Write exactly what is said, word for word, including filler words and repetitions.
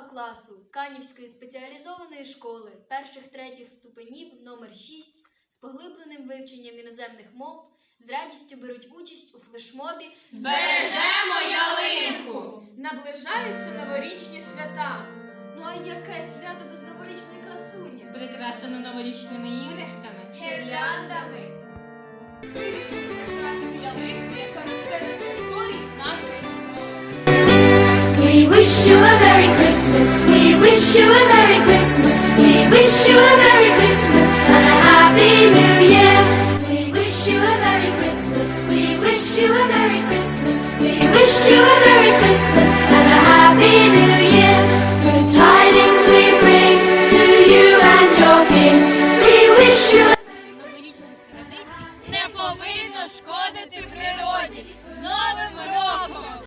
класу Канівської спеціалізованої школи перших-третіх ступенів номер шість з поглибленим вивченням іноземних мов з радістю беруть участь у флешмобі «Збережемо ялинку». Наближаються новорічні свята. Ну а яке свято без новорічної красуні? Прикрашено новорічними іграшками, Гірляндами. Вирішили прикрасити ялинку, яка росте на території нашої школи. We wish you a Merry Christmas. We wish you a Merry Christmas. We wish you a Merry Christmas and a Happy New Year. We wish you a Merry Christmas. We wish you a Merry Christmas. We wish you a Merry Christmas and a Happy New Year.